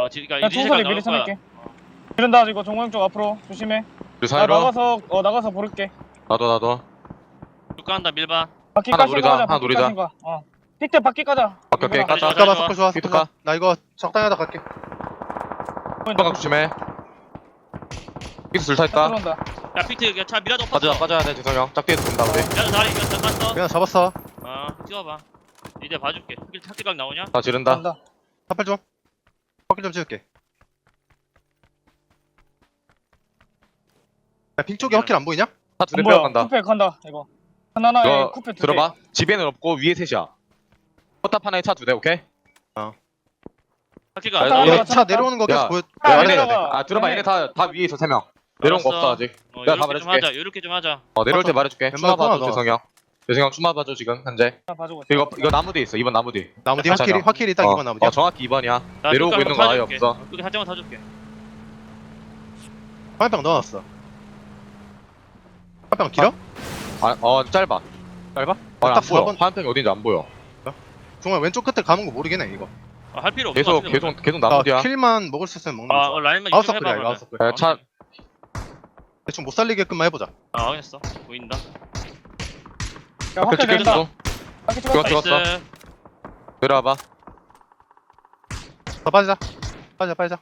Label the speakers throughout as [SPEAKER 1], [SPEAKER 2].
[SPEAKER 1] 그니까
[SPEAKER 2] 야
[SPEAKER 1] 이제
[SPEAKER 2] 총소리
[SPEAKER 1] 나올
[SPEAKER 2] 미리
[SPEAKER 1] 거야.
[SPEAKER 2] 쳐낼게. 이런다 이거 종호형 쪽 앞으로 조심해.
[SPEAKER 3] 우리
[SPEAKER 2] 나
[SPEAKER 3] 사이로
[SPEAKER 2] 나가서 부를게.
[SPEAKER 3] 나도
[SPEAKER 1] 육가한다 밀반.
[SPEAKER 2] 바퀴
[SPEAKER 3] 하나
[SPEAKER 2] 까신 거
[SPEAKER 3] 노리자,
[SPEAKER 2] 가자.
[SPEAKER 3] 하나
[SPEAKER 2] 바퀴
[SPEAKER 3] 노리자.
[SPEAKER 2] 까신 거. 픽대 바퀴 까자.
[SPEAKER 3] 오케이 오케이
[SPEAKER 2] 이거랑.
[SPEAKER 3] 가자.
[SPEAKER 1] 가자.
[SPEAKER 4] 잠깐만 서클 좋아
[SPEAKER 3] 피트
[SPEAKER 4] 서클 좋아. 나 이거 적당히 하다 갈게.
[SPEAKER 3] 빡 조심해. 피트 둘 타 있다.
[SPEAKER 2] 들어온다.
[SPEAKER 1] 야 피트 이거 차 미라도 없었어.
[SPEAKER 3] 빠져야 돼 지성이 형. 짝뒤에 둔다 우리.
[SPEAKER 1] 미라도 다리 이거 잠깐
[SPEAKER 4] 그냥 잡았어.
[SPEAKER 1] 찍어봐. 이제 봐줄게. 탁기각 나오냐?
[SPEAKER 3] 다 지른다.
[SPEAKER 2] 간다.
[SPEAKER 4] 사팔 좀. 서클 좀 찍을게. 야빙 쪽에 허킬 안 보이냐?
[SPEAKER 3] 다 둘이
[SPEAKER 2] 뭐야?
[SPEAKER 3] 빼어간다.
[SPEAKER 2] 쿠페 간다 이거. 하나에
[SPEAKER 3] 이거
[SPEAKER 2] 쿠페 두 개.
[SPEAKER 3] 들어봐. 집에는 없고 위에 셋이야. 포탑 하나에 차 두 대 오케이?
[SPEAKER 1] 탁기각.
[SPEAKER 3] 아,
[SPEAKER 2] 나
[SPEAKER 4] 얘
[SPEAKER 2] 이거
[SPEAKER 4] 차 내려오는 거 계속
[SPEAKER 3] 야.
[SPEAKER 4] 보여.
[SPEAKER 2] 아,
[SPEAKER 4] 내려야 돼.
[SPEAKER 2] 내려가.
[SPEAKER 3] 들어봐 얘네 다 위에 있어 3명. 내려온 거
[SPEAKER 1] 알았어.
[SPEAKER 3] 없어 아직. 내가 다
[SPEAKER 1] 요렇게 좀
[SPEAKER 3] 말해줄게.
[SPEAKER 1] 하자. 요렇게 좀 하자.
[SPEAKER 3] 내려올 때 말해줄게.
[SPEAKER 4] 왼발
[SPEAKER 3] 추마 봐줘
[SPEAKER 4] 코너가.
[SPEAKER 3] 재성이 형. 재성이 형 추마 봐줘 지금 현재.
[SPEAKER 2] 하나 봐주고 있어.
[SPEAKER 3] 이거 나무 뒤에 있어. 2번 나무 뒤.
[SPEAKER 4] 나무 뒤
[SPEAKER 3] 가자,
[SPEAKER 4] 허킬이
[SPEAKER 3] 가자.
[SPEAKER 4] 허킬이 딱 2번 나무 뒤.
[SPEAKER 3] 정확히 2번이야.
[SPEAKER 1] 나
[SPEAKER 3] 내려오고
[SPEAKER 1] 육각
[SPEAKER 3] 있는 거 아예
[SPEAKER 1] 타줄게.
[SPEAKER 3] 없어.
[SPEAKER 1] 그게 살짝만 타줄게.
[SPEAKER 4] 화병 넣어놨어. 화병 길어?
[SPEAKER 3] 짧아.
[SPEAKER 4] 짧아?
[SPEAKER 3] 안
[SPEAKER 4] 딱
[SPEAKER 3] 보여.
[SPEAKER 4] 4번.
[SPEAKER 3] 화염병이 어딘지 안 보여.
[SPEAKER 4] 정말 왼쪽 끝에 감은 거 모르겠네 이거.
[SPEAKER 1] 할 필요 없어.
[SPEAKER 3] 계속 나무 뒤야.
[SPEAKER 4] 킬만 먹을 수 있으면 먹는 거.
[SPEAKER 1] 라인만
[SPEAKER 4] 아웃
[SPEAKER 1] 이쪽
[SPEAKER 4] 서클이야
[SPEAKER 1] 해봐.
[SPEAKER 4] 이거 아웃
[SPEAKER 1] 그러면.
[SPEAKER 4] 서클.
[SPEAKER 3] 차
[SPEAKER 4] 대충 못 살리게끔만 해보자.
[SPEAKER 1] 확인했어. 보인다.
[SPEAKER 2] 야
[SPEAKER 3] 앞에
[SPEAKER 2] 확대 된다.
[SPEAKER 3] 찍혔어.
[SPEAKER 2] 바퀴
[SPEAKER 3] 이거
[SPEAKER 2] 찍었다.
[SPEAKER 3] 찍었어.
[SPEAKER 1] 나이스.
[SPEAKER 3] 내려와봐.
[SPEAKER 4] 더 빠지자. 빠지자.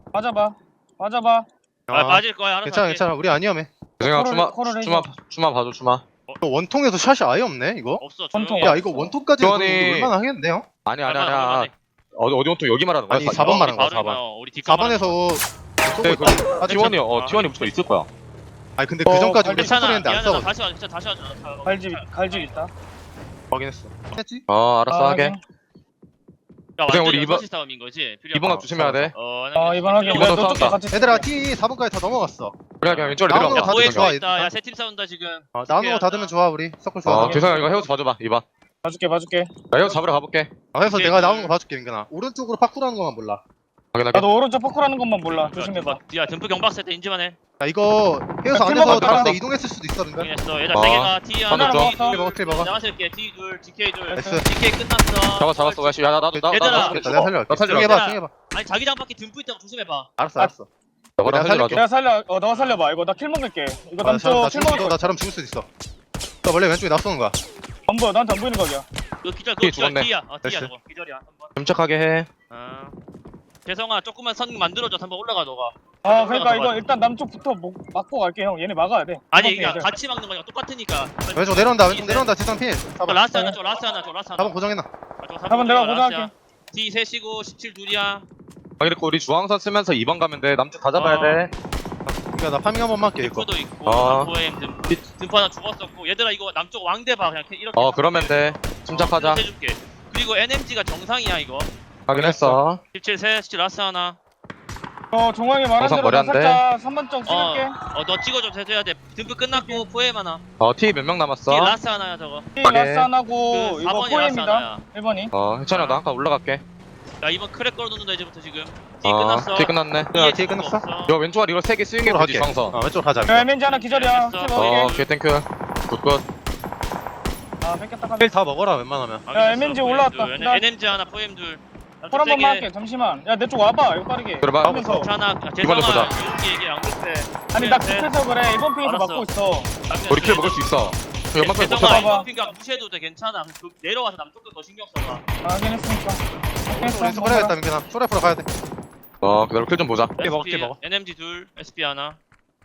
[SPEAKER 2] 맞아봐.
[SPEAKER 1] 빠질 거야. 알아서
[SPEAKER 4] 괜찮아
[SPEAKER 1] 할게.
[SPEAKER 4] 괜찮아. 우리 안 위험해.
[SPEAKER 3] 재성이 형
[SPEAKER 2] 코를 해줘.
[SPEAKER 3] 추마 봐줘 추마.
[SPEAKER 4] 이거 원통에서 샷이 아예 없네 이거.
[SPEAKER 1] 없어.
[SPEAKER 2] 원통.
[SPEAKER 1] 조용히 해.
[SPEAKER 4] 야 이거 원통까지 해도
[SPEAKER 3] 교환이-
[SPEAKER 4] 얼마나 하겠는데요?
[SPEAKER 3] 아니야.
[SPEAKER 1] 얼마나.
[SPEAKER 3] 어디 온통 여기 말하는 거야?
[SPEAKER 4] 아니, 4번 말하는 거야,
[SPEAKER 1] 바로
[SPEAKER 4] 4번.
[SPEAKER 1] 해봐요. 우리 뒷각 말하는 거야.
[SPEAKER 4] 4번에서
[SPEAKER 3] 네, 그 T1이 T1이 붙어 있을 거야.
[SPEAKER 4] 아니 근데 그 전까지 우리
[SPEAKER 1] 괜찮아.
[SPEAKER 4] 소리했는데 안
[SPEAKER 1] 미안하다.
[SPEAKER 4] 싸워.
[SPEAKER 1] 다시 하자.
[SPEAKER 2] 갈집 있다.
[SPEAKER 4] 확인했어. 했지?
[SPEAKER 3] 알았어 하게.
[SPEAKER 1] 야,
[SPEAKER 3] 그냥
[SPEAKER 1] 완전
[SPEAKER 3] 우리 이번-
[SPEAKER 1] 6시 싸움인 거지.
[SPEAKER 3] 이번 각 조심해야 돼.
[SPEAKER 2] 이번 확인.
[SPEAKER 3] 이번
[SPEAKER 2] 내가
[SPEAKER 3] 싸운다.
[SPEAKER 2] 너쪽도 같이.
[SPEAKER 4] 얘들아 T 4번까지 다 넘어갔어.
[SPEAKER 3] 그래 그냥 왼쪽으로
[SPEAKER 4] 나오는
[SPEAKER 3] 내려와.
[SPEAKER 4] 거 다
[SPEAKER 1] 보에
[SPEAKER 4] 좋아,
[SPEAKER 1] 좋아
[SPEAKER 4] 얘들아.
[SPEAKER 1] 있다. 야, 세 팀 싸운다 지금.
[SPEAKER 4] 나오는 거 닫으면 좋아 우리. 서클 좋아.
[SPEAKER 3] 재성이 이거 헤어서 봐줘봐 2번.
[SPEAKER 2] 봐줄게.
[SPEAKER 3] 나 헤어서 잡으러 가볼게.
[SPEAKER 4] 해서
[SPEAKER 1] 오케이,
[SPEAKER 4] 내가
[SPEAKER 1] 그-
[SPEAKER 4] 나오는 거 봐줄게 민근아. 오른쪽으로 파쿠라는 것만 몰라.
[SPEAKER 3] 확인하게.
[SPEAKER 2] 나도 오른쪽 포크라는 것만 몰라. 조심해봐.
[SPEAKER 1] 야, 듬프 경박 세트 인지만 해.
[SPEAKER 4] 야 이거 헤어서
[SPEAKER 2] 야,
[SPEAKER 4] 안에서
[SPEAKER 2] 킬먹어,
[SPEAKER 4] 다른 데
[SPEAKER 3] 알았어.
[SPEAKER 4] 이동했을 수도 있어 민근.
[SPEAKER 1] 확인했어. 얘들아, 세 개가 T
[SPEAKER 3] 하나
[SPEAKER 1] 하나,
[SPEAKER 3] 줘.
[SPEAKER 1] T 둘.
[SPEAKER 4] 킬 먹어 킬 먹어.
[SPEAKER 1] 내가 쓸게. T 둘, DK 둘.
[SPEAKER 4] 됐어.
[SPEAKER 1] DK 끝났어.
[SPEAKER 3] 잡았어. 야 나도
[SPEAKER 1] 얘들아.
[SPEAKER 4] 됐다, 내가 살려갈게.
[SPEAKER 3] 나 살려.
[SPEAKER 4] 조용히 해봐
[SPEAKER 1] 얘들아.
[SPEAKER 4] 조용히 해봐.
[SPEAKER 1] 아니, 자기장 밖에 듬프 있다고 조심해봐.
[SPEAKER 4] 알았어
[SPEAKER 2] 아,
[SPEAKER 4] 알았어.
[SPEAKER 3] 너가
[SPEAKER 4] 내가
[SPEAKER 3] 살려줘.
[SPEAKER 2] 내가 살려. 너가 살려봐. 이거 나 킬 먹을게. 이거
[SPEAKER 4] 나
[SPEAKER 2] 남쪽 킬 먹을 거.
[SPEAKER 4] 잘하면 죽을 수도 있어. 나 원래 왼쪽에 납쏘는 거야.
[SPEAKER 2] 안 보여. 나한테 안 보이는 거야.
[SPEAKER 1] 그 기절,
[SPEAKER 3] T
[SPEAKER 1] 그거
[SPEAKER 3] 죽었네.
[SPEAKER 1] T야. T야,
[SPEAKER 4] 됐어.
[SPEAKER 1] 저거. 기절이야. 한번.
[SPEAKER 3] 침착하게 해.
[SPEAKER 1] 재성아, 조금만 선 만들어줘. 한번 올라가, 너가.
[SPEAKER 2] 그러니까 이거 일단 남쪽부터 막고 갈게 형. 얘네 막아야 돼.
[SPEAKER 1] 아니,
[SPEAKER 2] 이번
[SPEAKER 1] 이게
[SPEAKER 2] 핑
[SPEAKER 1] 같이 막는 거니까 똑같으니까.
[SPEAKER 4] 왼쪽 내려온다 왼쪽 내려온다 지상 필.
[SPEAKER 1] 저
[SPEAKER 4] 4번.
[SPEAKER 1] 라스트 하나, 저 라스트 하나, 저 라스트 하나.
[SPEAKER 4] 4번 고정해놔.
[SPEAKER 2] 한번 내가 고정할게.
[SPEAKER 1] D 셋이고 17 둘이야.
[SPEAKER 3] 확인했고 우리 중앙선 쓰면서 2번 가면 돼. 남쪽 다 잡아야 돼.
[SPEAKER 4] 그러니까 나 파밍 한 번만 할게 이거.
[SPEAKER 1] dim프도 있고
[SPEAKER 3] 어.
[SPEAKER 1] 포엠 dim프 하나 죽었었고 얘들아 이거 남쪽 왕대 봐 그냥 이렇게
[SPEAKER 3] 그러면 돼. 침착하자.
[SPEAKER 1] 이렇게 해줄게. 그리고 NMG가 정상이야 이거.
[SPEAKER 3] 확인했어.
[SPEAKER 1] 17 셋, 17 라스트 하나.
[SPEAKER 2] 종황이 말한
[SPEAKER 3] 항상
[SPEAKER 2] 대로 나
[SPEAKER 3] 머리
[SPEAKER 2] 살짝 3번 점 찍을게.
[SPEAKER 1] 너 찍어줘 해줘야 돼. dim프 끝났고 포엠 하나.
[SPEAKER 3] T 몇 명
[SPEAKER 1] D
[SPEAKER 3] 남았어?
[SPEAKER 1] 라스트 하나야 저거.
[SPEAKER 2] 라스 하나고
[SPEAKER 1] 그
[SPEAKER 2] 이거
[SPEAKER 1] 4번이 라스트
[SPEAKER 2] 포엠이다.
[SPEAKER 1] 하나야.
[SPEAKER 2] 1번이.
[SPEAKER 3] 해찬이 나 한칸 올라갈게.
[SPEAKER 1] 야 이번 크랙 걸어놓는다 이제부터 지금. D 끝났어.
[SPEAKER 3] T 끝났네.
[SPEAKER 4] 야, D 끝났어?
[SPEAKER 3] 이거 왼쪽 아래 이거 3개 스윙해
[SPEAKER 4] 왼쪽으로
[SPEAKER 3] 보지
[SPEAKER 4] 할게.
[SPEAKER 3] 중앙선.
[SPEAKER 4] 왼쪽으로 가자.
[SPEAKER 2] 야 MNG 하나 기절이야.
[SPEAKER 1] 됐어.
[SPEAKER 2] 킬 먹을게.
[SPEAKER 3] 오케이 땡큐. 굿굿.
[SPEAKER 2] 뺏겼다.
[SPEAKER 4] 필다 먹어라 웬만하면.
[SPEAKER 2] 야, MNG 올라왔다. 나-
[SPEAKER 1] NMG 하나 포엠 둘.
[SPEAKER 2] 콜 한 번만 할게. 잠시만. 야 내 쪽 와봐. 이거 빠르게.
[SPEAKER 3] 들어봐.
[SPEAKER 2] 하면서.
[SPEAKER 1] 괜찮아.
[SPEAKER 3] 이번에 보자.
[SPEAKER 1] 이렇게 얘기 안 그래.
[SPEAKER 2] 아니 나 급해서 그래. 이번 핑에서
[SPEAKER 1] 알았어.
[SPEAKER 2] 막고 있어.
[SPEAKER 3] 우리 킬 먹을 수 있어. 연막까지
[SPEAKER 1] 재성아
[SPEAKER 3] 버텨봐.
[SPEAKER 2] 버텨봐.
[SPEAKER 1] 이번 핑가 무시해도 돼 괜찮아. 그 내려와서 남쪽도 더 신경 써봐.
[SPEAKER 2] 확인했으니까.
[SPEAKER 4] 왼쪽 해야겠다 민근아. 쇼라프로 가야 돼.
[SPEAKER 3] 기다려 킬 좀 보자.
[SPEAKER 4] 먹어,
[SPEAKER 1] SP,
[SPEAKER 4] 먹어.
[SPEAKER 1] NMG 둘, SP 하나.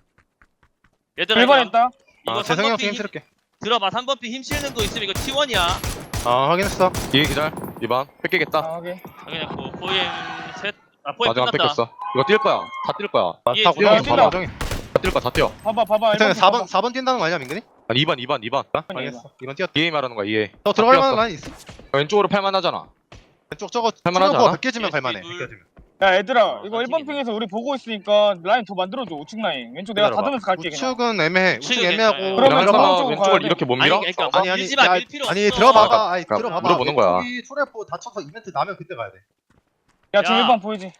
[SPEAKER 1] 얘들아
[SPEAKER 2] 1번 했다.
[SPEAKER 1] 이거
[SPEAKER 4] 재성이
[SPEAKER 1] 3번
[SPEAKER 4] 형
[SPEAKER 1] 핑
[SPEAKER 4] 힘
[SPEAKER 1] 힘,
[SPEAKER 4] 실을게.
[SPEAKER 1] 들어봐 3번 핑 힘 실는 거 있으면 이거 T1이야.
[SPEAKER 4] 확인했어.
[SPEAKER 3] 이게 기절. 2번. 뺏기겠다.
[SPEAKER 2] 오케이.
[SPEAKER 1] 당연했고 포엠 셋. 포엠
[SPEAKER 3] 마지막
[SPEAKER 1] 끝났다.
[SPEAKER 3] 뺏겼어. 이거 뛸 거야. 다 뛸 거야.
[SPEAKER 1] 예,
[SPEAKER 4] 다 고정해.
[SPEAKER 2] 뛴다.
[SPEAKER 4] 다 고정해.
[SPEAKER 3] 다 뛸 거야. 다 뛰어.
[SPEAKER 2] 봐봐.
[SPEAKER 4] 일단
[SPEAKER 2] 1번
[SPEAKER 4] 4번 뛴다는 거 아니야 민근이?
[SPEAKER 3] 아니 2번.
[SPEAKER 4] 알겠어. 이건 뛰었다.
[SPEAKER 3] EA 말하는 거야 EA.
[SPEAKER 4] 너 들어갈
[SPEAKER 3] 뛰었어.
[SPEAKER 4] 만한 라인 있어?
[SPEAKER 3] 왼쪽으로 팔만 하잖아.
[SPEAKER 4] 왼쪽 저거
[SPEAKER 3] 할만하지
[SPEAKER 4] 거
[SPEAKER 3] 않아?
[SPEAKER 4] 느껴지면 갈만해.
[SPEAKER 1] 둘.
[SPEAKER 4] 느껴지면.
[SPEAKER 2] 야 얘들아 이거
[SPEAKER 1] 나
[SPEAKER 2] 1번
[SPEAKER 1] 튀기네.
[SPEAKER 2] 핑에서 우리 보고 있으니까 라인 더 만들어줘. 우측 라인. 왼쪽 내가
[SPEAKER 4] 기다려봐.
[SPEAKER 2] 닫으면서 갈게 그냥.
[SPEAKER 4] 우측은 애매해. 우측
[SPEAKER 1] 우측은
[SPEAKER 4] 애매하고.
[SPEAKER 1] 괜찮아요.
[SPEAKER 2] 그러면
[SPEAKER 3] 그러면
[SPEAKER 2] 저번 쪽으로
[SPEAKER 3] 왼쪽을
[SPEAKER 2] 가야 돼.
[SPEAKER 3] 이렇게 못 밀어?
[SPEAKER 1] 아니 그러니까
[SPEAKER 4] 아니
[SPEAKER 1] 밀지 마,
[SPEAKER 4] 야,
[SPEAKER 1] 밀 필요
[SPEAKER 4] 아니
[SPEAKER 1] 없어.
[SPEAKER 4] 들어봐봐. 아니
[SPEAKER 3] 그러니까
[SPEAKER 4] 들어봐봐.
[SPEAKER 3] 물어보는 거야.
[SPEAKER 4] 왼쪽이 초래포 다쳐서 이벤트 나면 그때 가야 돼.
[SPEAKER 2] 야 지금
[SPEAKER 1] 야.
[SPEAKER 2] 1번 보이지?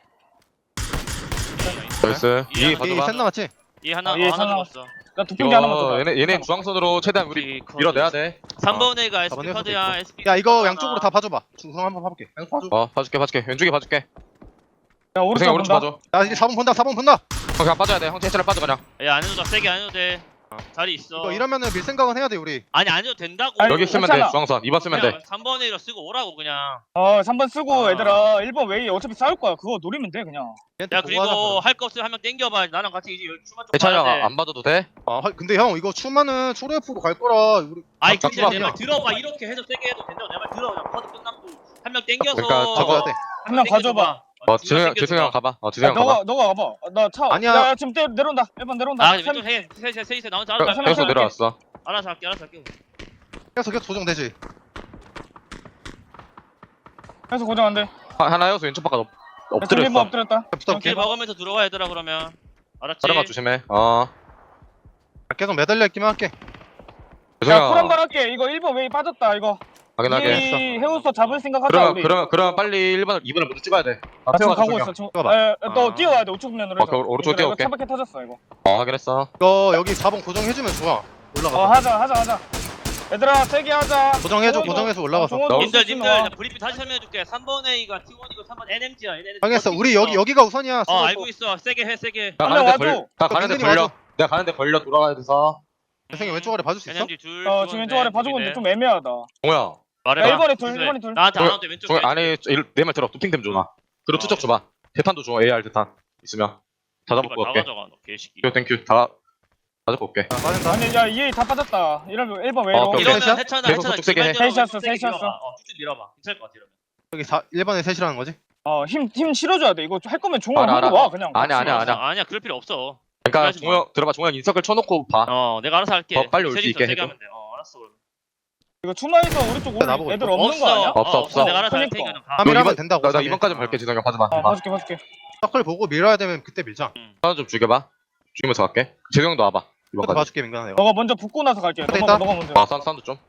[SPEAKER 3] 나이스. EA
[SPEAKER 1] 이
[SPEAKER 4] 이
[SPEAKER 3] 봐줘봐.
[SPEAKER 4] 셋 남았지?
[SPEAKER 1] 얘 하나
[SPEAKER 2] 얘
[SPEAKER 1] 하나
[SPEAKER 2] 하나.
[SPEAKER 1] 죽었어.
[SPEAKER 2] 나 두핑기 하나만 더.
[SPEAKER 3] 얘네 중앙선으로 최대한 우리 밀어내야 돼.
[SPEAKER 1] 3번 애가 SP
[SPEAKER 4] 4번
[SPEAKER 1] 카드야.
[SPEAKER 4] 에서 돼.
[SPEAKER 1] 아, 뭐. 아, 네. 아, 뭐. SP.
[SPEAKER 4] 야 이거
[SPEAKER 1] 카드
[SPEAKER 4] 양쪽으로
[SPEAKER 1] 하나.
[SPEAKER 4] 다 봐줘봐. 중성 한번 봐볼게. 양쪽 봐줘.
[SPEAKER 3] 봐줄게. 왼쪽에 봐줄게.
[SPEAKER 2] 야 오른쪽
[SPEAKER 3] 대승이 오른쪽
[SPEAKER 2] 본다.
[SPEAKER 3] 봐줘.
[SPEAKER 4] 야 이제 4번 본다 4번 본다.
[SPEAKER 3] 그냥 빠져야 돼. 형 해철에 빠져 그냥.
[SPEAKER 1] 야 안 해도 돼 세게 안 해도 돼 자리 있어
[SPEAKER 4] 이거 이러면은 밀 생각은 해야 돼 우리.
[SPEAKER 1] 아니 안 해도 된다고
[SPEAKER 2] 아니,
[SPEAKER 3] 여기 쓰면 돼.
[SPEAKER 2] 괜찮아.
[SPEAKER 3] 중앙선 2번 쓰면 돼.
[SPEAKER 1] 3번에 이로 쓰고 오라고 그냥
[SPEAKER 2] 3번 쓰고
[SPEAKER 1] 아.
[SPEAKER 2] 얘들아 1번 웨이 어차피 싸울 거야. 그거 노리면 돼 그냥.
[SPEAKER 4] 얘한테
[SPEAKER 1] 야
[SPEAKER 4] 보고
[SPEAKER 1] 그리고
[SPEAKER 4] 하자,
[SPEAKER 1] 할 거 없으면 한 명 땡겨봐 나랑 같이 이제 추만 좀
[SPEAKER 3] 해철이
[SPEAKER 1] 봐야 돼
[SPEAKER 3] 형안 봐줘도 돼?
[SPEAKER 4] 그럼. 근데 형 이거 추마는 초레프로 갈 거라 우리.
[SPEAKER 1] 아이
[SPEAKER 4] 각
[SPEAKER 1] 근데 내
[SPEAKER 4] 아니야.
[SPEAKER 1] 말 들어봐 이렇게 해서 세게 해도 된다고 내 말 들어 그냥 커드 끝났고 한 명 땡겨서
[SPEAKER 3] 그러니까 저거-
[SPEAKER 4] 가져야 돼.
[SPEAKER 2] 한 명 가져봐.
[SPEAKER 3] 지승이 형 가봐. 지승이 형 가봐.
[SPEAKER 2] 너가 가봐. 나 차.
[SPEAKER 4] 아니야.
[SPEAKER 2] 야 지금 내려온다. 1번 내려온다.
[SPEAKER 1] 아 왼쪽 셋이 나온 사람
[SPEAKER 2] 형,
[SPEAKER 3] 계속 내려왔어.
[SPEAKER 1] 알아서 할게
[SPEAKER 4] 계속 조정되지.
[SPEAKER 2] 해서 고정한대.
[SPEAKER 3] 하나 여수 왼쪽 바깥
[SPEAKER 2] 지금 1번
[SPEAKER 3] 엎드렸어.
[SPEAKER 2] 엎드렸다.
[SPEAKER 4] 붙어볼게.
[SPEAKER 1] 길 박으면서 들어와 얘들아 그러면 알았지?
[SPEAKER 3] 다른 거 조심해.
[SPEAKER 4] 계속 매달려 있기만 할게.
[SPEAKER 3] 지승이
[SPEAKER 2] 야 콜 한
[SPEAKER 3] 형
[SPEAKER 2] 번 할게. 이거 1번 웨이 빠졌다 이거.
[SPEAKER 3] 확인하게.
[SPEAKER 2] 이 해우서 잡을 생각하자 우리.
[SPEAKER 3] 그러면 빨리 1번을 2번을 먼저 찍어야 돼.
[SPEAKER 2] 나 지금
[SPEAKER 3] 태워가지고
[SPEAKER 2] 가고
[SPEAKER 3] 중이야.
[SPEAKER 2] 있어. 지금.
[SPEAKER 4] 찍어봐.
[SPEAKER 2] 너
[SPEAKER 1] 아.
[SPEAKER 2] 뛰어와야 돼. 우측 면으로 해서.
[SPEAKER 3] 오른쪽
[SPEAKER 2] 얘들아, 이거
[SPEAKER 3] 뛰어올게.
[SPEAKER 2] 차밖에 터졌어 이거.
[SPEAKER 3] 확인했어.
[SPEAKER 4] 이거 여기 4번 고정해주면 좋아. 올라가.
[SPEAKER 2] 하자. 얘들아 세게 하자.
[SPEAKER 4] 고정해줘.
[SPEAKER 2] 종원도-
[SPEAKER 4] 고정해서 올라가서.
[SPEAKER 2] 종원도
[SPEAKER 3] 너-
[SPEAKER 1] 님들
[SPEAKER 2] 와.
[SPEAKER 1] 브리핑 다시 설명해줄게 3번 A가 T1이고 3번 NMG야
[SPEAKER 4] 알겠어. 우리 여기가 우선이야.
[SPEAKER 1] 알고 있어 세게 해 세게
[SPEAKER 3] 나
[SPEAKER 2] 한명
[SPEAKER 3] 가는데
[SPEAKER 2] 와줘.
[SPEAKER 3] 나 가는데
[SPEAKER 4] 민준이
[SPEAKER 3] 걸려.
[SPEAKER 4] 와줘.
[SPEAKER 3] 내가 가는데 걸려 돌아가야 돼서.
[SPEAKER 4] 대승이 왼쪽 아래 봐줄 수 있어?
[SPEAKER 1] NMG 둘
[SPEAKER 2] 지금 왼쪽 아래 봐주고 있는데 좀 애매하다.
[SPEAKER 3] 동호야.
[SPEAKER 1] 말해봐
[SPEAKER 2] 야, 1번에 둘, 1번에 둘.
[SPEAKER 1] 나한테 안 와도 돼 왼쪽
[SPEAKER 3] 동호 안에 내 말 들어. 도핑템 줘놔. 그리고 투적 줘봐. 대탄도 줘. AR 대탄 있으면 다 잡고
[SPEAKER 1] 다
[SPEAKER 3] 올게.
[SPEAKER 1] 가져가 너 개새끼
[SPEAKER 3] 땡큐. 다 잡고 올게.
[SPEAKER 4] 빠진다.
[SPEAKER 2] 아니 야 EA 다 빠졌다. 이러면 1번 웨이로.
[SPEAKER 3] 오케이, 오케이.
[SPEAKER 1] 이러면
[SPEAKER 4] 셋이야?
[SPEAKER 1] 해찬아
[SPEAKER 3] 계속 저쪽 세게 해.
[SPEAKER 2] 셋이었어.
[SPEAKER 1] 쭉쭉 밀어봐 괜찮을 것 같아 이러면
[SPEAKER 4] 여기 1번에 셋이라는 거지?
[SPEAKER 2] 힘 실어줘야 돼. 이거 할 거면 종원
[SPEAKER 3] 알아,
[SPEAKER 2] 한번 와 그냥.
[SPEAKER 3] 아니야,
[SPEAKER 2] 같이.
[SPEAKER 3] 아니야.
[SPEAKER 1] 아니야 그럴 필요 없어
[SPEAKER 3] 그러니까
[SPEAKER 1] 그러지 마.
[SPEAKER 3] 들어봐. 종호 형 인서클 쳐놓고 봐.
[SPEAKER 1] 내가 알아서 할게
[SPEAKER 3] 더 빨리 올수
[SPEAKER 1] 셋이서
[SPEAKER 3] 있게
[SPEAKER 1] 세게
[SPEAKER 3] 해줘.
[SPEAKER 1] 하면 돼 알았어
[SPEAKER 2] 이거 추마에서 우리 쪽 오는
[SPEAKER 4] 나보고
[SPEAKER 2] 애들
[SPEAKER 4] 있어.
[SPEAKER 2] 없는 거 아니야?
[SPEAKER 3] 없어.
[SPEAKER 1] 내가 알아서 할
[SPEAKER 2] 그러니까.
[SPEAKER 1] 테니까 가.
[SPEAKER 4] 3일
[SPEAKER 3] 너
[SPEAKER 4] 하면
[SPEAKER 3] 이번-
[SPEAKER 4] 된다고.
[SPEAKER 3] 나 이번까지 갈게. 지성이 형 봐줘봐.
[SPEAKER 2] 봐줄게.
[SPEAKER 4] 서클 보고 밀어야 되면 그때 밀자.
[SPEAKER 3] 하나 좀 죽여봐. 죽이면서 갈게. 재성 형도 와봐.
[SPEAKER 4] 그때
[SPEAKER 3] 이번까지.
[SPEAKER 4] 봐줄게 민간아 내가.
[SPEAKER 2] 너가 먼저 붙고 나서 갈게.
[SPEAKER 4] 그래,
[SPEAKER 2] 너가
[SPEAKER 4] 있다.
[SPEAKER 2] 먼저.
[SPEAKER 3] 사운드 좀.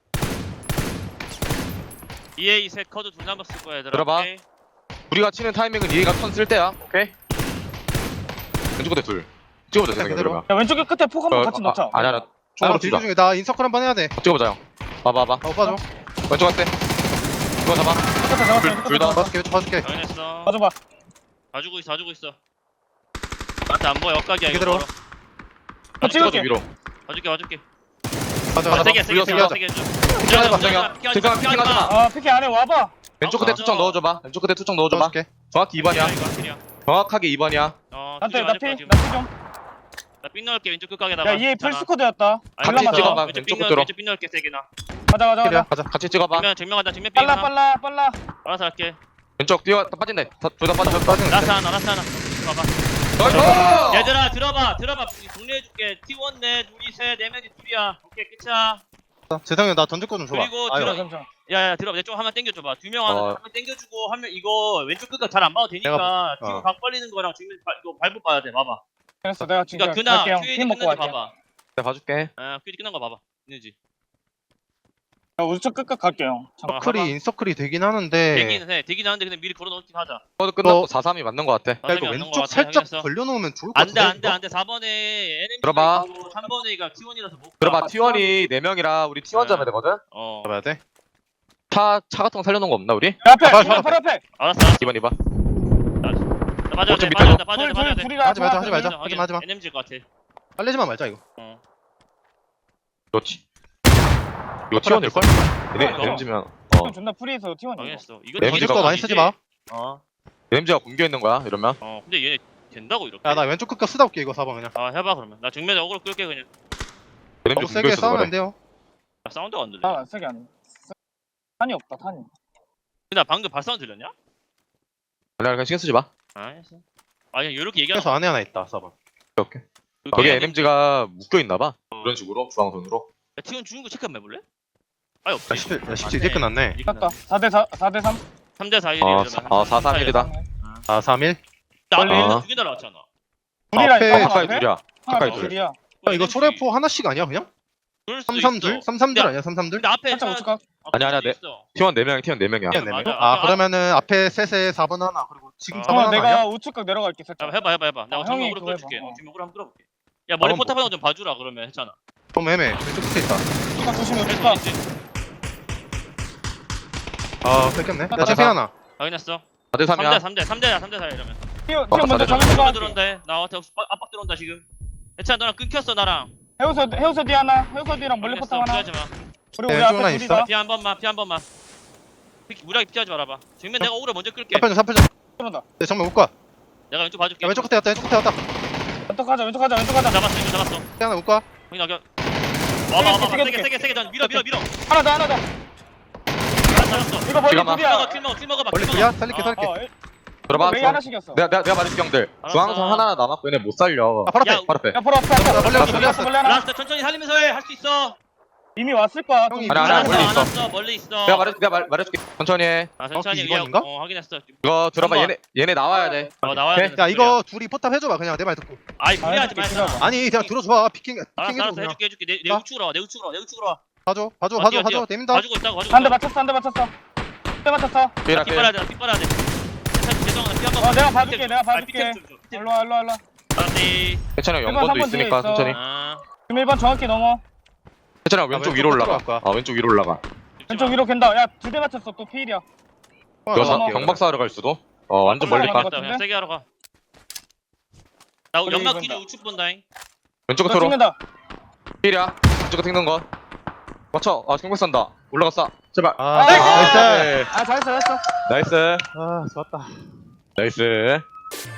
[SPEAKER 1] EA 셋 커드 둘 남았을 거야 얘들아
[SPEAKER 3] 들어봐.
[SPEAKER 1] 오케이?
[SPEAKER 3] 우리가 치는 타이밍은 얘가 턴 쓸 때야. 오케이? 왼쪽 끝에 둘. 찍어보자, 재성이 형.
[SPEAKER 4] 그대로.
[SPEAKER 3] 그러면.
[SPEAKER 2] 야 왼쪽에 끝에 폭 한번 같이 넣자.
[SPEAKER 3] 아니야.
[SPEAKER 4] 아,
[SPEAKER 3] 총으로
[SPEAKER 4] 딜
[SPEAKER 3] 치자.
[SPEAKER 4] 중에 나 인서클 한번 해야 돼.
[SPEAKER 3] 찍어보자, 형. 봐봐.
[SPEAKER 4] 오빠 줘.
[SPEAKER 3] 왼쪽 갈게. 이거 잡아.
[SPEAKER 2] 끝에 잡았어.
[SPEAKER 3] 둘 다.
[SPEAKER 4] 봐줄게 봐줄게.
[SPEAKER 1] 당연했어
[SPEAKER 2] 봐줘봐.
[SPEAKER 1] 다 주고 있어 나한테 안 보여 역각이야 이거
[SPEAKER 4] 그대로.
[SPEAKER 1] 멀어.
[SPEAKER 2] 나
[SPEAKER 3] 찍어줘,
[SPEAKER 2] 찍을게.
[SPEAKER 3] 위로.
[SPEAKER 1] 봐줄게
[SPEAKER 4] 맞아
[SPEAKER 3] 맞아.
[SPEAKER 1] 세게
[SPEAKER 3] 불렸어.
[SPEAKER 1] 세게 해줘
[SPEAKER 3] 피하지 마, 재성이 형. 재성이 형 피킹하지 마.
[SPEAKER 2] 피키 안에 와봐.
[SPEAKER 3] 왼쪽 끝에
[SPEAKER 1] 맞아.
[SPEAKER 3] 투척 넣어줘봐. 왼쪽 끝에 투척 넣어줘봐.
[SPEAKER 4] 줘줄게.
[SPEAKER 3] 정확히 2번이야. 정확하게 2번이야.
[SPEAKER 2] 나한테
[SPEAKER 1] 나
[SPEAKER 2] 나피 좀.
[SPEAKER 1] 나삥 넣을게 왼쪽 끝각에다가
[SPEAKER 2] 야 EA 풀스쿼드였다.
[SPEAKER 3] 같이
[SPEAKER 2] 발라맞아.
[SPEAKER 3] 찍어봐.
[SPEAKER 1] 왼쪽
[SPEAKER 3] 왼쪽
[SPEAKER 1] 삥
[SPEAKER 3] 끝으로.
[SPEAKER 1] 왼쪽 삥 넣을게 세게나
[SPEAKER 2] 가자.
[SPEAKER 4] 그래 가자.
[SPEAKER 3] 같이 찍어봐.
[SPEAKER 1] 정명하다 정면 삥 하나
[SPEAKER 2] 빨라.
[SPEAKER 1] 알아서 할게
[SPEAKER 3] 왼쪽 뛰어. 빠진대. 둘 다 빠져.
[SPEAKER 4] 빠지는.
[SPEAKER 1] 라스 하나 봐봐
[SPEAKER 3] 나이스!
[SPEAKER 1] 얘들아 들어봐 정리해줄게 T1 넷 우리 셋 4명이 둘이야 오케이 끝이야
[SPEAKER 4] 재성이 나 던질 거좀 줘봐.
[SPEAKER 1] 그리고
[SPEAKER 4] 아유.
[SPEAKER 1] 들어- 야야 들어봐 내 쪽 한명 땡겨줘봐 2명 하나
[SPEAKER 3] 어.
[SPEAKER 1] 한명 땡겨주고 한 명 이거 왼쪽 끝각 잘 안 봐도 되니까
[SPEAKER 4] 어.
[SPEAKER 1] 뒤로 각 벌리는 거랑 지금 이거 발부 봐야 돼 봐봐
[SPEAKER 2] 그랬어. 내가 지금
[SPEAKER 1] 그러니까 그나
[SPEAKER 2] 갈게 형.
[SPEAKER 1] 큐에이
[SPEAKER 2] 힘 먹고
[SPEAKER 1] 끝난지
[SPEAKER 2] 갈게.
[SPEAKER 1] 봐봐
[SPEAKER 3] 내가 봐줄게.
[SPEAKER 1] 큐에이 끝난 거 봐봐 있는지
[SPEAKER 2] 야 우측 끝까지 갈게 형. 잠깐.
[SPEAKER 4] 서클이 인서클이 되긴 하는데.
[SPEAKER 1] 되긴 하는데 그냥 미리 걸어놓긴 하자
[SPEAKER 3] 코드 끝났고 4-3이 맞는 것 같아.
[SPEAKER 4] 야 이거 왼쪽 살짝 벌려놓으면 좋을 것 같은데.
[SPEAKER 1] 안돼 4번에 NMG
[SPEAKER 3] 들어봐.
[SPEAKER 1] 3번에가 T1이라서 못
[SPEAKER 3] 들어봐.
[SPEAKER 1] 가.
[SPEAKER 3] T1이 4명이라 우리 T1 잡아야 되거든?
[SPEAKER 4] 잡아야 돼.
[SPEAKER 3] 차 같은 거 살려놓은 거 없나 우리?
[SPEAKER 2] 야, 앞에.
[SPEAKER 4] 아,
[SPEAKER 2] 바로 앞에.
[SPEAKER 1] 알았어
[SPEAKER 3] 2번 2번.
[SPEAKER 1] 빠져야 돼
[SPEAKER 3] 어차피 밑에
[SPEAKER 1] 빠져야 돼
[SPEAKER 2] 둘이라
[SPEAKER 4] 하지 말자, 하지 말자. 하지 마.
[SPEAKER 1] NMG일 것 같아
[SPEAKER 4] 빨리지만 말자 이거.
[SPEAKER 3] 그렇지. 이거 T1일걸?
[SPEAKER 1] 이거.
[SPEAKER 3] NMG면
[SPEAKER 2] 존나 프리해서 T1.
[SPEAKER 1] 당했어 이거
[SPEAKER 3] NMG
[SPEAKER 4] 던질
[SPEAKER 3] 가
[SPEAKER 4] 거 많이 쓰지 마.
[SPEAKER 3] NMG가 굶겨 있는 거야 이러면.
[SPEAKER 1] 근데 얘네 된다고 이렇게
[SPEAKER 4] 야 나 왼쪽 끝까 쓰다 올게 이거 4번 그냥.
[SPEAKER 1] 해봐 그러면 나 정면에 어그로 끌게 그냥
[SPEAKER 3] NMG
[SPEAKER 4] 너무
[SPEAKER 3] 굶겨
[SPEAKER 4] 세게
[SPEAKER 3] 있어서
[SPEAKER 4] 싸우면
[SPEAKER 3] 그래.
[SPEAKER 4] 안 돼요.
[SPEAKER 1] 야, 사운드가 안 들려
[SPEAKER 2] 아 세게 안 해. 탄이 없다 탄이.
[SPEAKER 1] 나 방금 발사운드 들렸냐?
[SPEAKER 3] 아니야 그냥 신경 쓰지 마.
[SPEAKER 1] 알겠어 그냥 이렇게 얘기하는
[SPEAKER 4] 그래서 안에 하나 있다 4번.
[SPEAKER 3] 오케이. 거기 NMG가 묶여 있나 봐. 그런 식으로 중앙선으로.
[SPEAKER 1] 야 T1 죽은 거 체크 한번 해볼래? 아니 없지
[SPEAKER 4] 야 17 이제 끝났네.
[SPEAKER 2] 땄다. 4대 3.
[SPEAKER 1] 3대 4
[SPEAKER 3] 어,
[SPEAKER 1] 1이면
[SPEAKER 3] 4-3-1이다.
[SPEAKER 4] 아 3일.
[SPEAKER 1] 나
[SPEAKER 2] 빨리.
[SPEAKER 1] 아까 두개 날아왔잖아
[SPEAKER 2] 둘이라
[SPEAKER 4] 앞에
[SPEAKER 2] 있다.
[SPEAKER 3] 가까이 둘이야. 가까이 둘.
[SPEAKER 2] 둘이야.
[SPEAKER 4] 야 이거 초래포 하나씩 아니야 그냥?
[SPEAKER 1] 그럴 수도
[SPEAKER 4] 332?
[SPEAKER 1] 있어.
[SPEAKER 4] 332 아니야 332?
[SPEAKER 1] 근데 앞에
[SPEAKER 2] 살짝 우측 가.
[SPEAKER 3] 아니야,
[SPEAKER 1] 그럴 수도
[SPEAKER 3] 네.
[SPEAKER 1] 있어.
[SPEAKER 3] T1 4명이 T1 4명이야.
[SPEAKER 4] 네, 네.
[SPEAKER 1] 맞아.
[SPEAKER 4] 아 그러면은 앞에 셋에 4번 하나 그리고 지금 4번 하나 아니야?
[SPEAKER 2] 내가 우측 각 내려갈게 살짝.
[SPEAKER 1] 해봐 내가
[SPEAKER 2] 형이
[SPEAKER 1] 정면으로
[SPEAKER 2] 그거
[SPEAKER 1] 끌어줄게
[SPEAKER 2] 해봐.
[SPEAKER 1] 정면으로 한번 끌어볼게 야 머리
[SPEAKER 4] 한번
[SPEAKER 1] 포탑 하나 좀 봐주라 그러면 했잖아
[SPEAKER 4] 좀 애매해. 왼쪽 끝에 있다.
[SPEAKER 2] 우측 각 조심해 우측
[SPEAKER 1] 할수
[SPEAKER 2] 각.
[SPEAKER 1] 있지
[SPEAKER 4] 아 뺏겼네. 야 챔피 하나.
[SPEAKER 1] 확인했어
[SPEAKER 3] 4대 3이야
[SPEAKER 1] 3대 4 이러면.
[SPEAKER 2] 티오
[SPEAKER 3] 맞다,
[SPEAKER 2] 먼저
[SPEAKER 3] 맞다.
[SPEAKER 2] 정해서
[SPEAKER 1] 들어
[SPEAKER 2] 가.
[SPEAKER 1] 들어온다. 나한테 압박 들어온다 지금. 애찬 너랑 끊겼어 나랑.
[SPEAKER 2] 해우서 뒤 하나. 해우서 뒤랑 멀리 포탑 하나.
[SPEAKER 1] 피하지 마.
[SPEAKER 2] 그리고 우리
[SPEAKER 4] 네,
[SPEAKER 2] 앞에
[SPEAKER 4] 하나
[SPEAKER 2] 둘이다.
[SPEAKER 4] 있어.
[SPEAKER 1] 피 한 번만. 무리하게 피하지 말아봐. 정면 내가 오래 먼저 끌게.
[SPEAKER 4] 3편전
[SPEAKER 2] 들어온다.
[SPEAKER 4] 네, 정면 웃과
[SPEAKER 1] 내가 왼쪽 봐줄게.
[SPEAKER 4] 야 왼쪽 끝에 왔다 왼쪽 끝에 왔다
[SPEAKER 2] 왼쪽 가자. 왼쪽 가자.
[SPEAKER 1] 잡았어.
[SPEAKER 4] 하나 웃과
[SPEAKER 1] 형이 나겨. 와봐.
[SPEAKER 2] 세게.
[SPEAKER 1] 세게 던. 밀어.
[SPEAKER 2] 하나 더.
[SPEAKER 1] 잡았어.
[SPEAKER 2] 이거 멀리
[SPEAKER 3] 잠깐만.
[SPEAKER 2] 둘이야.
[SPEAKER 1] 킬 먹어봐.
[SPEAKER 4] 원래 둘이야? 살릴게
[SPEAKER 3] 들어봐
[SPEAKER 2] 메이 하나씩이었어.
[SPEAKER 3] 내가 말해줄게 형들
[SPEAKER 1] 알았어.
[SPEAKER 3] 중앙선 하나 남았고 얘네 못 살려
[SPEAKER 4] 아 바로
[SPEAKER 1] 야,
[SPEAKER 4] 앞에
[SPEAKER 3] 바로 앞에
[SPEAKER 2] 야 보러 왔어.
[SPEAKER 4] 나 벌레 왔어,
[SPEAKER 2] 벌레 왔어. 벌레 하나.
[SPEAKER 1] 라스트 천천히 살리면서 해. 할 수 있어.
[SPEAKER 2] 이미 왔을 거야.
[SPEAKER 4] 형이
[SPEAKER 2] 좀
[SPEAKER 3] 아니,
[SPEAKER 2] 기다려.
[SPEAKER 3] 아니, 멀리 있어.
[SPEAKER 1] 멀리 있어.
[SPEAKER 3] 내가 말해줄게 천천히 해
[SPEAKER 1] 아, 천천히
[SPEAKER 4] 정확히 이번인가?
[SPEAKER 1] 확인했어.
[SPEAKER 3] 이거 들어봐
[SPEAKER 1] 한번.
[SPEAKER 3] 얘네 나와야 돼
[SPEAKER 1] 나와야
[SPEAKER 3] 오케이.
[SPEAKER 1] 돼.
[SPEAKER 4] 야 이거 둘이 포탑 해줘봐 그냥 내 말 듣고
[SPEAKER 1] 아이 무리하지
[SPEAKER 2] 아,
[SPEAKER 1] 말자.
[SPEAKER 2] 해줄게,
[SPEAKER 4] 아니 그냥 들어줘봐 피킹
[SPEAKER 1] 알았어
[SPEAKER 4] 해줘 그냥
[SPEAKER 1] 해줄게. 내
[SPEAKER 4] 아?
[SPEAKER 1] 우측으로 와. 내 우측으로 와.
[SPEAKER 4] 봐줘
[SPEAKER 1] 뛰어.
[SPEAKER 4] 내민다
[SPEAKER 1] 봐주고 있다고.
[SPEAKER 2] 한 대 맞췄어. 한 대 맞췄어.
[SPEAKER 3] 삐라
[SPEAKER 1] 피 빨아야 돼. 피 빨아야 돼. 죄송합니다. 피한 번.
[SPEAKER 2] 내가 봐줄게. 일로 와.
[SPEAKER 1] 알았지.
[SPEAKER 3] 괜찮아
[SPEAKER 2] 일번
[SPEAKER 3] 연번도
[SPEAKER 2] 3번 뒤에
[SPEAKER 3] 있으니까
[SPEAKER 2] 있어.
[SPEAKER 3] 천천히
[SPEAKER 1] 아.
[SPEAKER 2] 지금 1번 정확히 넘어.
[SPEAKER 3] 괜찮아 왼쪽 위로
[SPEAKER 4] 왼쪽
[SPEAKER 3] 올라가
[SPEAKER 4] 들어갈 거야.
[SPEAKER 3] 왼쪽 위로 올라가
[SPEAKER 2] 왼쪽 위로 갠다. 야, 2대 맞췄어. 또 피일이야.
[SPEAKER 3] 이거
[SPEAKER 2] 넘어.
[SPEAKER 3] 경박사 하러 갈 수도 완전 멀리 가
[SPEAKER 2] 같은데?
[SPEAKER 1] 그냥 세게 하러 가. 나
[SPEAKER 2] 우리
[SPEAKER 1] 연막
[SPEAKER 2] 이건다.
[SPEAKER 1] 기준 우측 본다잉.
[SPEAKER 3] 왼쪽
[SPEAKER 2] 너
[SPEAKER 3] 끝으로
[SPEAKER 2] 찍는다.
[SPEAKER 3] 삐야 왼쪽 튕는 거 맞춰 경박 산다 올라갔어 제발
[SPEAKER 4] 아
[SPEAKER 2] 나이스!
[SPEAKER 4] 나이스
[SPEAKER 3] 네.
[SPEAKER 2] 아, 잘했어.
[SPEAKER 3] 나이스
[SPEAKER 4] 아 좋았다
[SPEAKER 3] 나이스